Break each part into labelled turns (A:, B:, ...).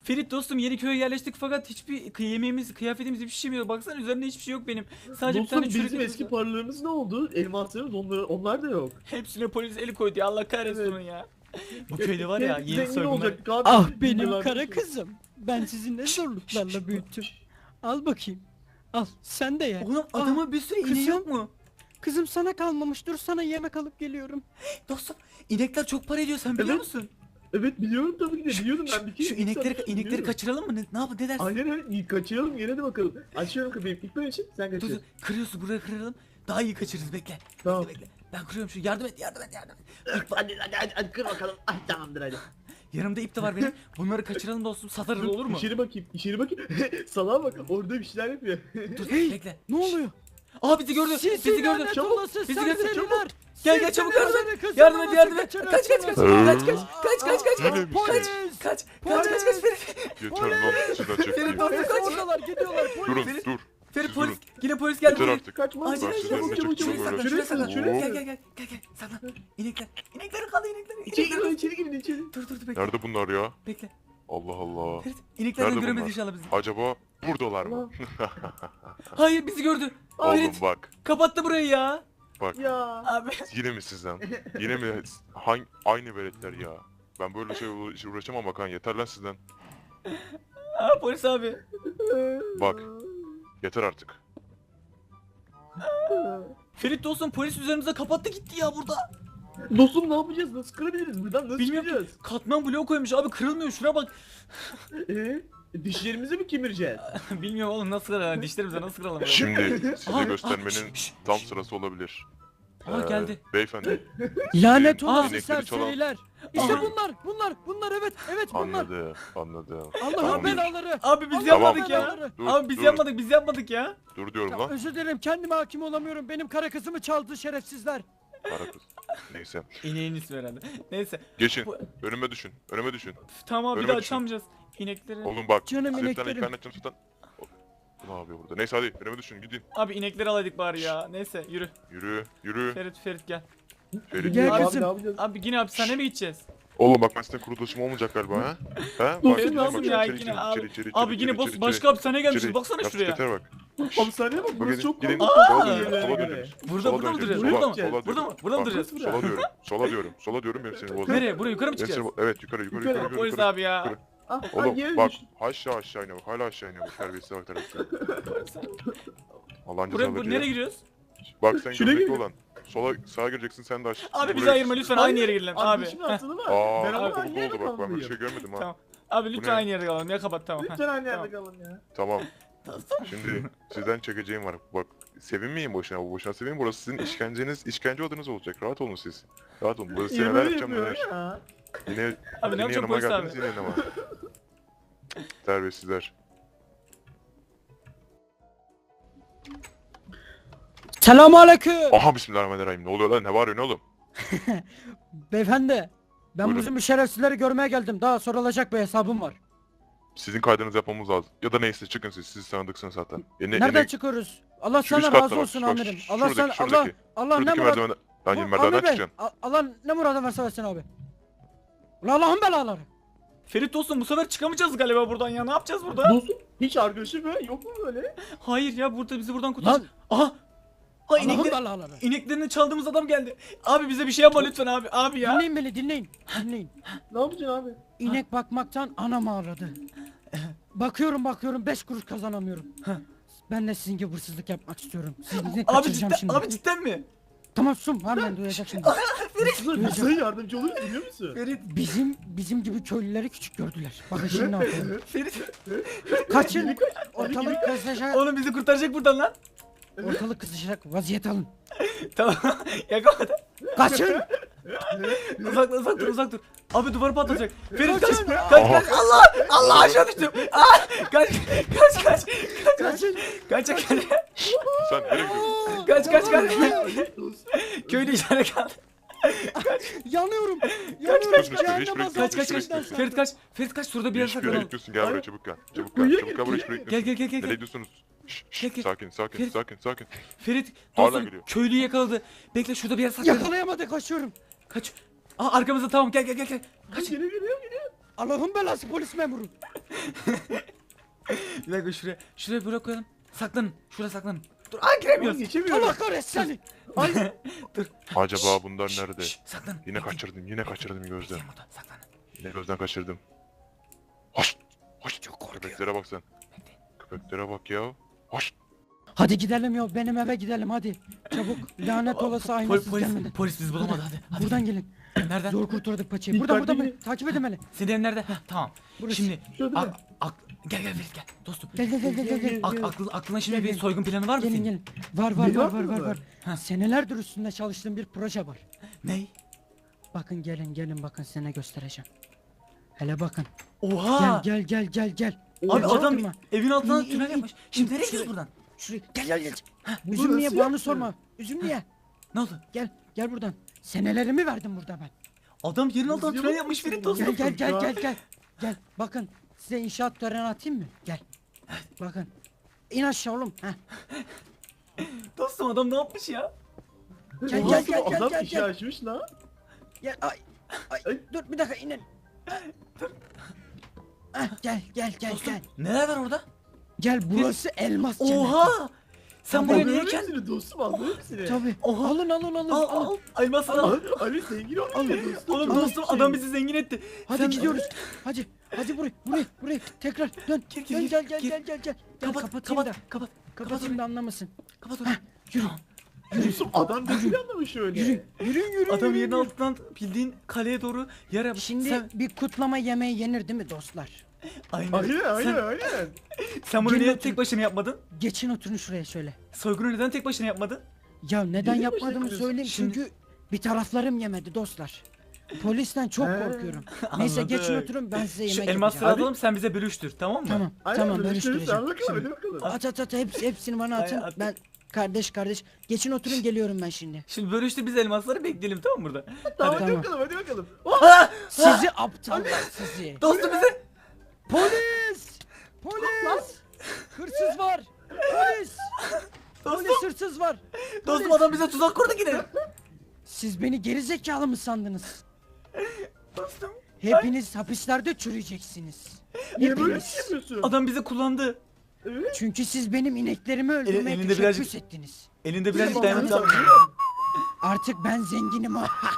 A: Ferit dostum yeni köye yerleştik fakat hiçbir yemeğimiz, kıyafetimiz hiçbir şeyim yok. Baksana üzerimde hiçbir şey yok benim. Sadece bir
B: Dostum
A: tane çürük
B: bizim
A: etimiz
B: eski
A: var.
B: paralarımız ne oldu? Elmaslarımız onlar da yok.
A: Hepsine polis eli koydu ya, Allah kahretsin
B: Evet.
A: onu ya. Bu köyde var ya yeni
B: Zengin
A: soygunlar.
B: olacaktık abi.
C: Ah benim
B: Yıllardır
C: kara
B: şey-
C: kızım. Ben sizi ne zorluklarla büyüttüm. Al bakayım. Al sen de ye.
A: Oğlum adama bir sürü ineği
C: kızım.
A: yok mu?
C: Kızım sana kalmamış, dur sana yemek alıp geliyorum.
A: Dostum inekler çok para ediyor, sen biliyor
B: Evet.
A: musun?
B: Evet biliyorum tabii ki de biliyordum ben bir kere.
A: Şu inekleri kaçıralım mı? Ne yapalım, ne dersin?
B: Aynen öyle kaçıralım yine de bakalım. Açıyorum kapıyı ilk ben için sen
A: Dur dur,
B: kaçır.
A: kırıyorsun, buraya kıralım. Daha iyi kaçırırız, bekle.
B: Tamam.
A: Bekle. Ben kırıyorum şu, yardım et.
B: Hadi kır bakalım. Ay tamamdır hadi.
A: Yanımda ip de var benim. Bunları kaçıralım dostum, satarız olur mu?
B: İçeri bakayım. Salağa bak orada bir şeyler yapıyor.
A: Dur
C: Hey,
A: bekle.
C: ne oluyor?
A: Aa bizi gördü. Bizi gördü.
C: lanet
B: Çabuk,
C: olası
A: bizi gördü,
C: serseriler.
A: Gel çabuk
C: Sizin
A: yardım
C: beni
A: et.
C: kızımı
A: Yardım et,
C: nasıl
A: yardım et. Kaç kaç kaç.
C: kaçırırsınız?
A: Kaç.
C: Polis!
A: Kaç
C: Polis!
A: Ferit.
D: Yeter lan sizden çektiğim.
A: Ferit,
C: Polis
A: kaç.
C: oradalar, gidiyorlar polis.
D: Durun
A: Ferit,
D: dur.
A: Ferit
D: Siz
A: polis.
D: durun.
A: Yine polis geldi.
D: Yeter artık.
B: Kaçma.
A: Acil
D: Ben
A: acil
D: sizden
A: çabuk
D: ne
A: çabuk
D: çektiğimi
A: saklan.
D: öğrendim.
A: Şuraya saklan.
B: Şuraya
A: Gel saklan. İnekler kaldı inekler.
B: İçeri
A: İnekler kaldı.
B: girin içeri.
A: Dur bekle.
D: Nerede bunlar ya?
A: Bekle.
D: Allah Allah.
A: Ferit ineklerden
D: Nerede
A: göremedi
D: bunlar?
A: inşallah bizi.
D: Acaba buradalar mı?
A: Hayır bizi gördü.
D: Oğlum
A: Ferit
D: bak.
A: kapattı burayı ya.
D: Bak.
B: Ya.
A: Abi.
D: Yine mi sizden? Yine mi? Aynı veletler ya. Ben böyle şey uğraşamam Hakan. Yeter lan sizden.
A: Aa polis abi.
D: Bak. Yeter artık.
A: Ferit dostum polis üzerimize kapattı gitti ya burada.
B: Dostum ne yapacağız? Nasıl kırabiliriz? Buradan nasıl
A: Bilmiyorum.
B: çıkacağız?
A: Katman bloğu koymuş abi, kırılmıyor, şuna bak.
B: Dişlerimizi mi kemireceğiz?
A: Bilmiyorum oğlum, nasıl kıralım dişlerimize, nasıl kıralım?
D: Şimdi
A: Aa,
D: size göstermenin
A: şş.
D: tam sırası olabilir.
A: Aa geldi.
D: Beyefendi.
C: Lanet
D: Aa,
C: olası
D: inekleri çalan-
C: serseriler. İşte
A: Aa.
C: bunlar evet bunlar.
D: Anladım.
C: Allah'ın
D: Tamam.
C: belaları.
A: Abi biz
C: Allah'ın
A: yapmadık ya.
C: belaları.
D: Dur,
A: Abi biz
D: dur.
A: yapmadık ya.
D: Dur diyorum
C: Ya,
D: lan.
C: özür dilerim, kendime hakim olamıyorum. Benim kara kızımı çaldı şerefsizler.
D: Kara kız. Neyse.
A: İneğin ismi herhalde. Neyse.
D: Geçin.
A: Bu-
D: Önüme düşün. Önüme düşün.
A: Tamam bir
D: Önüme
A: daha
D: düşün.
A: açamayacağız. İnekleri.
D: Oğlum bak.
C: Canım
D: Sırttan
C: ineklerim.
D: ikna edeceğim sırttan. Bu ne yapıyor burada? Neyse hadi önüme düşün gidin.
A: Abi inekleri alaydık bari ya. Neyse yürü.
D: Yürü.
A: Ferit gel.
D: Ferit.
C: Gel
B: Abi
C: kızım.
B: ne yapacağız?
A: Abi yine hapishaneye mi gideceğiz?
D: Oğlum bak ben sizden kuruluşum olmayacak galiba ha? Ha?
B: Dur,
D: Bak,
B: Ferit
D: bak,
A: lazım
D: bak,
A: ya
D: içeri,
A: yine
D: içeri,
A: abi.
D: içeri, içeri,
A: Abi
D: içeri,
A: yine
D: içeri,
A: başka
D: içeri.
A: hapishaneye gelmişiz.
D: İçeri.
A: Baksana şuraya.
D: Yaptıkları bak.
B: Hapishaneye bak
D: Bak
B: burası
D: gidin,
B: çok
D: gidin.
B: korkunç.
D: Sola
A: Aa,
D: dönüyoruz. Sola
B: göre.
D: dönüyoruz.
A: Burada
D: Sola
A: mı duracağız?
D: döneceğiz.
A: Burada mı?
D: Sola
A: Burada mı?
D: dönüyoruz.
A: Burada mı
D: Bak,
A: duracağız?
D: Sola diyorum. Sola diyorum. Benim seni bozma.
A: Nereye? Buraya yukarı mı
D: Benim
A: çıkacağız?
D: seni- Evet yukarı.
A: Polis abi ya.
D: Yukarı.
B: Ah,
D: Oğlum
B: yere
D: bak
B: düştüm.
D: aşağı iniyor bak. Hala aşağı iniyor bak. Terbiyesize bak terbiyesize. Allah'ın
A: Buraya
D: cezaları
A: nereye
D: ya.
A: gidiyoruz?
D: Bak sen
B: Şuraya
D: göbekli
B: gir.
D: olan. Sağa gireceksin sen de aşağı.
A: Abi bizi
D: Buraya-
A: ayırma lütfen, aynı yere girelim abi.
B: Arkadaşımın
A: Heh,
B: atladı var.
D: Aa,
B: Ben ama
D: çok
B: aynı yerde
D: oldu bak ben böyle bir
B: kalmalıyım.
D: şey görmedim ha.
A: Tamam. Abi
D: Bu
A: lütfen
D: ne?
A: aynı yere kalalım ya, kapat tamam.
B: Lütfen aynı
A: Tamam.
B: yerde kalın ya.
D: Tamam. Şimdi sizden çekeceğim var. Bak sevinmeyin boşuna. Boşuna sevinmeyin. Burası sizin işkence odanız olacak. Rahat olun siz. Rahat olun. Burası size
B: Niye
D: neler
B: böyle
D: yapacağım
B: yapıyor
D: neler.
B: ya?
D: Yine,
A: Abi ne
D: yine
A: yapacağım
D: yanıma
A: polis
D: geldiniz
A: abi?
D: yine yanıma. Terbiyesizler.
C: Selamünaleyküm.
D: Aha bismillahirrahmanirrahim. Ne oluyor lan? Ne bağırıyorsun oğlum?
C: Beyefendi, ben
D: Buyurun.
C: bizim şerefsizleri görmeye geldim. Daha sorulacak bir hesabım var.
D: Sizin kaydınızı yapmamız lazım. Ya da neyse çıkın siz. Siz tanıdıksınız zaten.
C: Nereden çıkıyoruz? Allah
D: Şu üst
C: sana
D: katta
C: razı
D: bak,
C: olsun
D: bak,
C: amirim.
D: şu-
C: Allah
D: şuradaki,
C: sana
D: şuradaki.
C: Allah ne
D: Şuradaki
C: murad.
D: merdivenden. Lan yeni
C: Amir
D: merdivenden
C: bey,
D: çıkacaksın.
C: Allah ne muradı verse versin abi. Ulan Allah'ın belaları.
A: Ferit dostum bu sefer çıkamayacağız galiba buradan ya, ne yapacağız burada?
B: Dostum hiç arkadaşım ya yok mu böyle?
A: Hayır ya, burada bizi buradan kurtar.
C: Lan
A: Aha! Aa
C: Allah'ın
A: inekleri,
C: belaları.
A: ineklerini çaldığımız adam geldi. Abi bize bir şey yapma lütfen abi. Abi ya.
C: Dinleyin beni, dinleyin.
B: Ne yapacaksın abi?
C: İnek bakmaktan anam ağladı. Bakıyorum 5 kuruş kazanamıyorum. Ben de sizin gibi hırsızlık yapmak istiyorum. Sizi
A: Abi
C: kaçıracağım
A: cidden,
C: şimdi.
A: abi cidden mi?
C: Tamam sus, hemen duyacak şimdi.
B: Aslında bize yardımcı oluruz biliyor musun?
A: Ferit,
C: Bizim gibi köylüleri küçük gördüler. Bakın şimdi ne yapıyorum.
A: Ferit.
C: Kaçın. Ortalık kızışacak.
A: Oğlum bizi kurtaracak buradan lan.
C: Ortalık kızışacak. Vaziyet alın.
A: Tamam. Yakaladı.
C: Kaçın.
A: Uzak dur. Abi duvarı patlayacak. Ferit kaç.
C: Kaçın.
A: Kaç. Allah aşağı düştüm. Aa, kaç.
C: Kaçın.
A: Kaç.
D: Sen nereye gidiyorsun?
A: Kaç. Köylü içeride kaldı.
C: Yanıyorum.
D: Kaç,
C: Cehennem
D: hiç
C: azabı
D: bırakmıyorsun,
A: Kaç.
D: hiç bırakmıyorsun.
A: Ferit kaç. Şurada bir yere
D: Hiçbir yere
A: saklanalım.
D: gitmiyorsun. Gel buraya çabuk gel. Çabuk
B: Buraya
D: gel buraya hiç bırakmıyorsun.
A: Gel.
D: Nereye gidiyorsunuz?
A: Gel.
D: Sakin.
A: Ferit.
D: Sakin.
A: Ferit
D: Hala
A: dostum
D: geliyor.
A: köylüyü yakaladı. Bekle şurada bir yere saklanalım.
C: Yakalayamadı, kaçıyorum.
A: Kaç. Aa arkamızda, tamam gel. Kaç.
B: Geliyor.
C: Allah'ın belası polis memuru.
A: Bir dakika şuraya böyle koyalım. Saklanın. Şuraya saklanın. Dur. Aa giremiyoruz.
B: Geçemiyorum.
C: Allah kahretsin seni.
B: Ay.
A: Dur.
D: Acaba bunlar nerede?
A: Saklanın.
D: Yine kaçırdım gözden.
A: Bekleyin burada. Saklanın.
D: Yine gözden kaçırdım. Hoş. Hoş.
A: Çok korkuyor.
D: Köpeklere bak sen.
A: Bekleyin.
D: Köpeklere bak ya. Hoş.
C: Hadi gidelim ya, benim eve gidelim hadi. Çabuk, lanet olası aynasız gelmeden.
A: Polis bizi bulamadı hadi.
C: Buradan gelin.
A: Nereden?
C: Zor kurtardık paçayı. Burada
B: Dikkatli
C: burada
B: gelin.
C: takip edin beni.
A: Senin evin nerede? Heh, tamam.
C: Burası.
A: Şimdi
B: Şurada mı?
A: gel Ferit gel. Dostum.
C: Gel.
A: Aklına şimdi
C: Gel,
A: bir
C: gel.
A: soygun planı var mı senin?
C: Gelin. Var
B: Bir var mı?
C: var.
A: Ha.
C: Senelerdir üstünde çalıştığım bir proje var.
A: Ney?
C: Bakın gelin bakın size ne göstereceğim. Hele bakın.
A: Oha!
C: Gel.
A: Abi
C: Oha.
A: adam
C: Çaktırma.
A: evin altından
C: İn,
A: tünel
C: in,
A: yapmış.
C: in.
A: Şimdi nereye
C: Şuraya.
A: gidiyoruz buradan?
C: Şuraya gel.
B: Bu
C: Üzüm niye
B: nasıl
C: bağını
B: yaptı?
C: sorma. Üzüm niye?
A: Ne oldu?
C: Gel buradan. Senelerimi verdim burada ben.
A: Adam yerin altından
B: Nasıl
A: tünel
B: yapmış
A: yapmış Ferit
B: bunu?
A: dostum.
C: Gel. Bakın size inşaat töreni atayım mı? Gel. Bakın. İn aşağı oğlum. Heh.
A: Dostum adam ne yapmış ya?
C: Gel.
B: Adam işi açmış lan.
C: Gel. Ay.
B: Ay.
C: Dur bir dakika inin. Gel.
A: Dostum neler var orada?
C: Gel burası elmas cenneti.
A: Oha! Sen buraya niye
B: Aldım
A: geldin?
B: hepsini dostum aldım hepsini.
C: Tabii.
A: Oha.
C: Alın.
A: Al. Elmasını al.
B: Ali zengin olmuş ya dostum.
A: Oğlum
B: Çok
A: dostum
B: şey.
A: adam bizi zengin etti.
C: Hadi
A: Sen-
C: gidiyoruz. Hadi buraya. Tekrar dön.
A: Gir,
C: Gel.
A: gir.
C: Gel kapatayım da.
A: Kapat.
C: Kapatayım da anlamasın.
A: Kapat onu.
C: Yürü.
B: Dostum adam da planlamış öyle.
C: Yürü.
A: Adam yerin altından bildiğin kaleye doğru yer yapmış.
C: Şimdi
A: sen,
C: bir kutlama yemeği yenir değil mi dostlar?
A: aynen.
B: Aynen.
A: Sen bunu
C: Gelin
A: niye
C: oturun.
A: tek başına yapmadın?
C: Geçin oturun şuraya şöyle.
A: Soygunu neden tek başına yapmadın?
C: Ya neden
B: Niye
C: yapmadığımı
B: başarıyorsun?
C: söyleyeyim
A: Şimdi-
C: çünkü bir taraflarım yemedi dostlar. Polisten çok
B: He.
C: korkuyorum. Neyse
A: Anladım.
C: geçin oturun ben size
A: Şu
C: yemek
A: elmasları
C: yapacağım.
A: alalım sen bize bölüştür tamam mı?
C: Tamam bölüştüreceğim.
B: Hadi bakalım.
C: At hepsini bana atın.
A: Ay, at.
C: Ben kardeş. Geçin oturun geliyorum ben şimdi.
A: Şimdi bölüştür biz elmasları bekleyelim tamam mı burada?
B: Tamam
C: Tamam.
B: hadi bakalım.
C: Sizi aptallar sizi.
A: Dostum bize.
C: Polis! Hırsız var. Polis
A: Dostum.
C: hırsız var.
A: Dostum
C: Polis.
A: adam bize tuzak kurdu yine.
C: Siz beni geri zekalı mı sandınız?
A: Dostum.
C: Hepiniz hapislerde çürüyeceksiniz.
B: Niye böyle bir
C: Hepiniz.
B: şey yapıyorsun?
A: Adam bizi kullandı.
B: Evet.
C: Çünkü siz benim ineklerimi öldürmeye
A: elinde
C: teşebbüs
A: birazcık-
C: ettiniz.
A: Elinde birazcık
B: Tamam,
A: dayanıklı.
B: tamam.
C: Artık ben zenginim.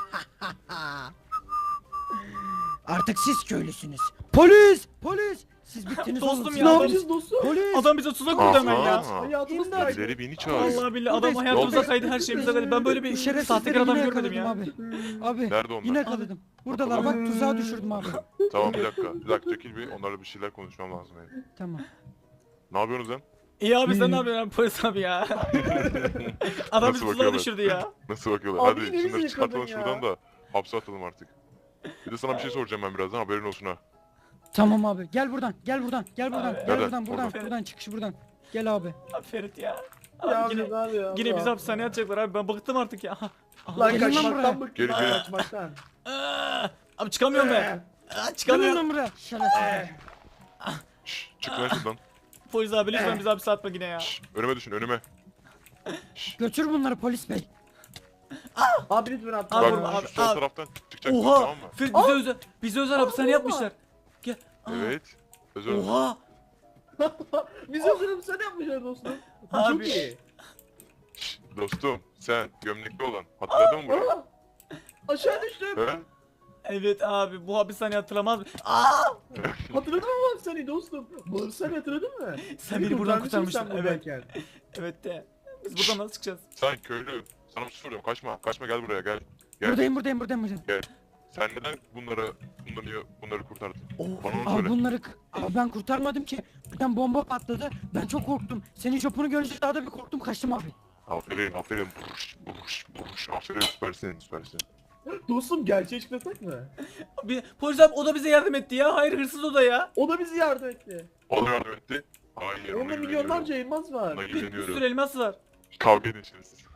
C: Artık siz köylüsünüz. Polis! Siz bittiniz
A: Dostum
C: oğlum. Siz
A: ya,
C: ne
B: Ne
A: adam-
C: yapacağız?
B: yapacağız dostum?
C: Polis!
A: Adam bize tuzak kurdu hemen ya.
D: Aha.
B: Hayatımız
C: İmdat.
B: kaydı.
D: Birileri beni çağırıyor.
A: Vallahi billahi adam
C: Buradayız.
A: hayatımıza
D: Buradayız.
A: kaydı her şeyimize kaydı. Ben böyle
C: Bu
A: bir
C: şerefsizleri
A: sahtekar adam
C: yine
A: görmedim
C: yakaladım
A: ya.
C: abi. Abi
D: Nerede onlar?
C: yine yakaladım. Buradalar bak tuzağa düşürdüm abi.
D: Tamam bir dakika çekil bir. Onlarla bir şeyler konuşmam lazım benim.
C: Tamam.
D: Ne yapıyorsunuz lan?
A: İyi abi sen ne yapıyorsun polis abi ya? Adam bizi tuzağa
D: bakıyorlar?
A: düşürdü ya.
D: Nasıl bakıyorlar?
B: Abi
D: Hadi
B: yine
D: şunları
B: bizi
D: çıkartalım
B: yakaladın ya.
D: şuradan da hapse atalım artık. Bir de sana bir şey soracağım ben birazdan haberin olsun ha.
C: Tamam abi gel buradan.
D: Nereden?
C: Buradan çıkış buradan. Gel abi.
A: Abi Ferit ya.
B: Ya
A: Abi yine bizi hapishaneye atacaklar abi ben bıktım artık ya. Aha.
B: Lan
C: Gelin lan
B: kaçmaktan
C: buraya.
B: bıktım.
D: Gelin, gelin.
B: Kaçmaktan.
A: Abi çıkamıyorum ben.
C: Gelin
A: Çıkamıyorum.
C: lan buraya. Şerefsizler.
D: Şşş çık lan şuradan.
A: Polis abi lütfen bizi hapse atma yine ya.
D: Şşş önüme düşün önüme.
C: Götür bunları polis bey.
B: Abi lütfen atma.
A: Abi,
D: Bak
A: vurma, abi,
D: şu sol
A: abi.
D: taraftan çıkacaksın
A: Oha.
D: tamam mı?
A: Ferit bize özel hapishane yapmışlar. Gel. Aa,
D: Evet. Özel.
A: Oha.
B: Biz hazırım sen yapmışlar dostum. Bu
A: Abi.
B: çok iyi.
D: Şşş, dostum sen gömlekli olan hatırladın mı burayı?
B: Aa, aşağı düştüm.
D: He?
A: Evet abi bu hapishaneyi hatırlamaz mı? Aa!
B: Hatırladın mı bak seni dostum? Sen hatırladın mı?
A: Sen beni buradan
B: kurtarmışsın
A: kurtarmıştın.
B: sen
A: Evet.
B: buradayken.
A: Evet de. Biz buradan nasıl çıkacağız?
D: Sen köylü. Sana bir şey soruyorum kaçma. Kaçma gel buraya gel. Gel.
C: Buradayım.
D: Sen neden bunları kurtardın?
A: Oh.
D: Bana onu
C: Abi
D: söyle.
C: bunları abi ben kurtarmadım ki. Birden bomba patladı. Ben çok korktum. Senin jopunu görünce daha da bir korktum kaçtım abi.
D: Aferin. Buruş. Aferin süpersin.
B: Dostum gerçeği çıklasak mı?
A: Polis abi o da bize yardım etti ya. Hayır hırsız o da ya.
B: O da bizi yardım etti.
D: O da yardım etti. Hayır ona
B: Onda
D: güveniyorum.
B: milyonlarca elmas var.
D: Ona
A: Bir
D: güveniyorum.
A: sürü elmas var.
D: Kavga edin şimdi siz.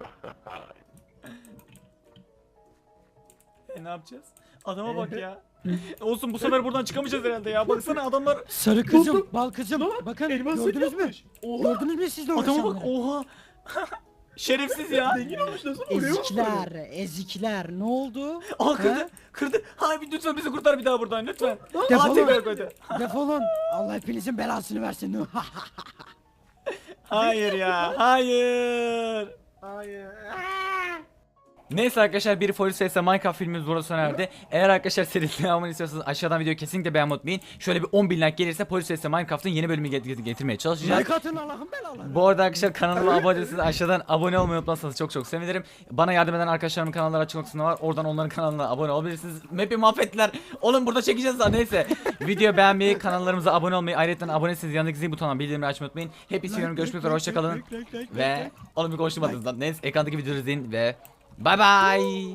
A: Ne yapacağız? Adama bak ya. Olsun bu sefer buradan çıkamayacağız herhalde ya. Baksana adamlar.
C: Sarı kızım,
B: Dostum,
C: bal kızım.
B: Bak,
C: Bakın
B: elmas
C: gördünüz mü?
B: yapmış. Oha.
C: Gördünüz mü siz de
A: Adama bak
C: uğraşanları?
A: oha. Şerefsiz ya.
B: Zengin olmuş nasıl vuruyor?
C: Ezikler ne oldu?
A: Aa kırdı.
C: Ha?
A: Kırdı. Abi lütfen bizi kurtar bir daha buradan lütfen.
C: Defolun.
A: Aa tekrar koydu.
C: Defolun. Allah hepinizin belasını versin.
A: Hayır ya. Hayır.
B: Hayır.
A: Neyse arkadaşlar bir Polis vs Minecraft filmimiz burada sona erdi. Eğer arkadaşlar serinin devamını istiyorsanız aşağıdan videoyu kesinlikle beğenmeyi unutmayın. Şöyle bir 10.000 like gelirse Polis vs Minecraft'ın yeni bölümünü getirmeye çalışacağız.
C: Like atın Allah'ın belaları.
A: Bu arada arkadaşlar kanalıma abone değilseniz aşağıdan abone olmayı unutmazsanız çok sevinirim. Bana yardım eden arkadaşlarımın kanalları açık kısmında var. Oradan onların kanalına abone olabilirsiniz. Map'i mahvettiler. Oğlum burada çekeceğiz daha neyse. Video beğenmeyi, kanallarımıza abone olmayı, ayrıca aboneyseniz yanındaki zil butonundan bildirimleri açmayı unutmayın. Hepinizi seviyorum. Görüşmek üzere. Hoşçakalın. Ve oğlum bir konuşmadınız lan. Neyse ekrandaki videoyu izleyin ve bye bye.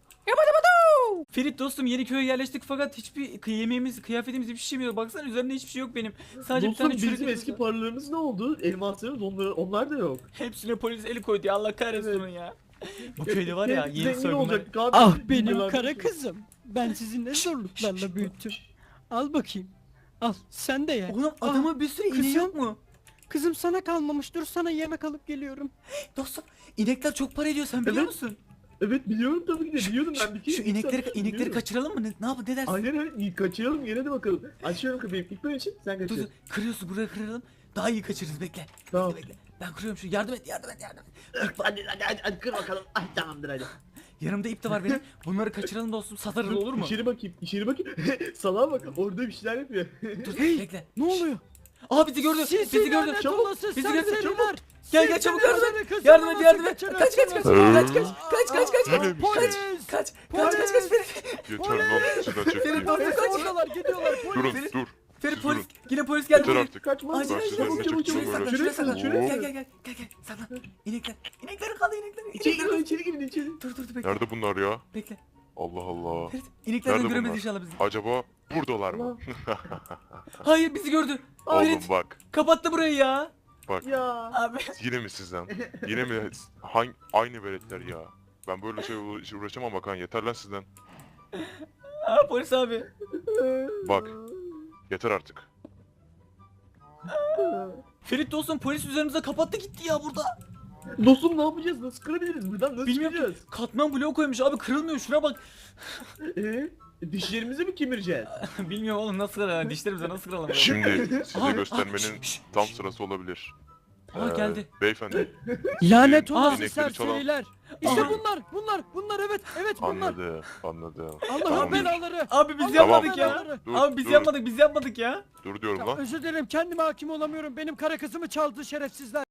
A: Ferit dostum yeni köye yerleştik fakat hiçbir yemeğimiz, kıyafetimiz hiçbir şey yok. Baksana üzerinde hiçbir şey yok benim. Sadece bir
B: Dostum
A: tane çürük
B: bizim
A: etimiz
B: eski
A: var.
B: paralarımız ne oldu? Elmaslarımız onlar da yok.
A: Hepsine polis eli koydu ya Allah kahretsin
B: Evet.
A: onu ya. Bu köyde var ya
B: Hep
A: yeni
B: zengin
A: soygunlar.
B: olacak. Katil
C: Ah
B: bilgiler
C: benim kara
B: düşüyor.
C: kızım. Ben sizi ne zorluklarla büyüttüm. Al bakayım. Al sen de ye.
A: Oğlum adamın bir sürü ineği
C: kızım.
A: yok mu?
C: Kızım sana kalmamış. Dur sana yemek alıp geliyorum.
A: Dostum inekler çok para ediyor sen biliyor
B: Evet.
A: musun?
B: Evet biliyorum tabii ki de biliyordum ben bir kere.
A: Şu inekleri
B: Biliyorum.
A: kaçıralım mı? Ne yapalım ne dersin?
B: Aynen öyle kaçıralım gene de bakalım. Açıyorum kapıyı ilk ben için sen
A: Dur
B: kaçır.
A: dur kırıyorsun buraya kıralım. Daha iyi kaçırırız bekle.
B: Tamam.
A: Bekle. Ben kırıyorum şu yardım et.
B: Hadi kır bakalım. Ay tamamdır hadi.
A: Yanımda ip de var benim. Bunları kaçıralım dostum satarız olur mu?
B: İçeri bakayım. Salağa bak orada bir şeyler yapıyor.
A: Dur
C: Hey,
A: bekle.
C: Ne oluyor?
A: Aa bizi gördü. Bizi gördü.
C: lanet
A: Çabuk.
C: olası
A: Bizi gördü.
C: serseriler.
A: Gel çabuk yardım et. Yardım et yardım et. Kaç kaç kaç.
D: Yine mi?
C: Polis.
A: Kaç
C: Polis.
A: Ferit.
D: Yeter lan sizden çektiğim.
A: Ferit,
C: Polis oradalar gidiyorlar. Polis.
D: Durun
A: Ferit.
D: dur.
A: Ferit
D: Siz
A: polis.
D: durun.
A: Yine polis geldi.
D: Yeter
A: Ferit.
D: artık.
B: Kaçma.
A: Acil
D: Ben
A: acil
D: sizden
A: çabuk
D: ne
A: çabuk
D: çekeceğim
A: saklan
D: böyle.
A: şuraya saklan.
B: Şuraya
A: Gel
B: saklan.
A: gel saklan. İnekler. İnekleri kaldı inekleri.
B: İçeri
A: İnekleri.
B: girin içeri girin içeri.
A: Dur bekle.
D: Nerede bunlar ya?
A: Bekle.
D: Allah Allah.
A: Ferit ineklerden
D: Nerede
A: göremedi
D: bunlar?
A: inşallah bizi.
D: Acaba buradalar mı?
A: Hayır bizi gördü.
D: Oğlum
A: Ferit
D: bak.
A: kapattı burayı ya.
D: Bak.
B: Ya.
A: Abi.
D: Yine mi sizden? Yine mi? Aynı veletler ya. Ben böyle şey uğraşamam Hakan. Yeter lan sizden.
A: Aa polis abi.
D: Bak. Yeter artık.
A: Ferit dostum polis üzerimize kapattı gitti ya burada.
B: Dostum ne yapacağız? Nasıl kırabiliriz? Buradan nasıl
A: Bilmiyorum.
B: çıkacağız?
A: Katman bloğu koymuş abi kırılmıyor şuna bak.
B: Dişlerimizi mi kemireceğiz?
A: Bilmiyorum oğlum nasıl kıralım dişlerimize nasıl kıralım. ya?
D: Şimdi size
A: Aa,
D: göstermenin
A: şş,
D: tam
A: şş.
D: sırası olabilir.
A: Aa geldi.
D: Beyefendi.
C: Lanet
A: Aa,
C: olası
D: inekleri
C: serseriler. İşte
A: Aha.
C: bunlar evet bunlar.
D: Anladım.
C: Allah'ın
D: Tamam.
C: belaları.
A: Abi biz
C: Allah'ın
A: yapmadık ya.
C: belaları.
D: Dur,
A: Abi biz
D: dur.
A: yapmadık biz yapmadık ya.
D: Dur diyorum
C: Ya,
D: lan.
C: özür dilerim kendime hakim olamıyorum. Benim kara kızımı çaldı şerefsizler.